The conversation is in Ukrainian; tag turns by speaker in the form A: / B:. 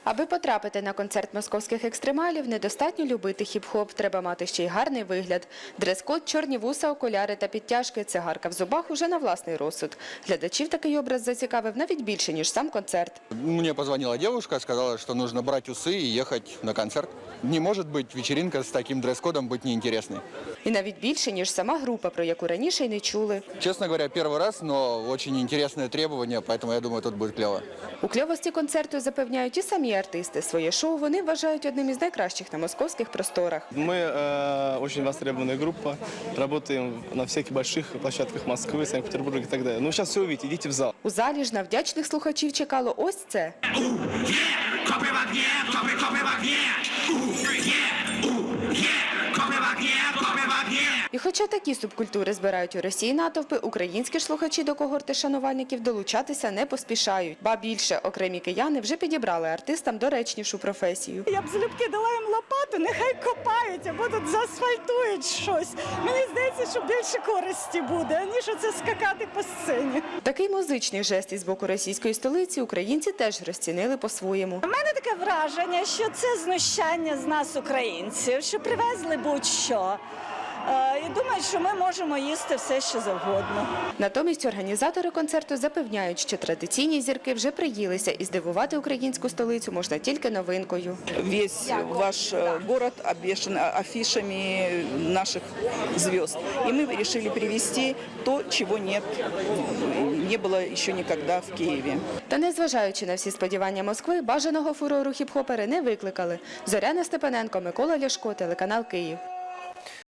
A: Аби потрапити на концерт московських екстремалів, недостатньо любити хіп-хоп, треба мати ще й гарний вигляд. Дрес-код, чорні вуса, окуляри та підтяжки, цигарка в зубах уже на власний розсуд. Глядачів такий образ зацікавив навіть більше, ніж сам концерт.
B: Мне позвонила девушка, сказала, что нужно брать усы и ехать на концерт. Не может быть вечеринка с таким дресс-кодом быть неинтересной.
A: І навіть більше, ніж сама група, про яку раніше й не чули.
B: Честно говоря, первый раз, но очень интересное требование, поэтому я думаю, тут будет клево.
A: У кльовості концерту запевняють і самі артисти. Своє шоу вони вважають одним із найкращих на московських просторах.
C: Мы очень востребованная группа, работаем на всяких больших площадках Москвы, Санкт-Петербурга и так далее. Ну, сейчас все увидите, идите в зал.
A: У залі ж на вдячних слухачів чекало ось це.
D: Копи в огне, копи в огне! Копи в огне, копи в огне!
A: І хоча такі субкультури збирають у Росії натовпи, українські ж слухачі до когорти шанувальників долучатися не поспішають. Ба більше, окремі кияни вже підібрали артистам доречнішу професію.
E: Я б залюбки дала їм лопату, нехай копають або тут заасфальтують щось. Мені здається, що більше користі буде, аніж оце скакати по сцені.
A: Такий музичний жест із боку російської столиці українці теж розцінили по-своєму.
E: У мене таке враження, що це знущання з нас, українців, що привезли будь-що. І думають, що ми можемо їсти все, що завгодно.
A: Натомість організатори концерту запевняють, що традиційні зірки вже приїлися і здивувати українську столицю можна тільки новинкою.
F: Весь ваш город обвешан афишами наших звезд. И мы решили привезти то, чего не было еще никогда в Киеве.
A: Та незважаючи на всі сподівання Москви, бажаного фурору хіп-хопери не викликали. Зоряна Степаненко, Микола Ляшко, телеканал Київ.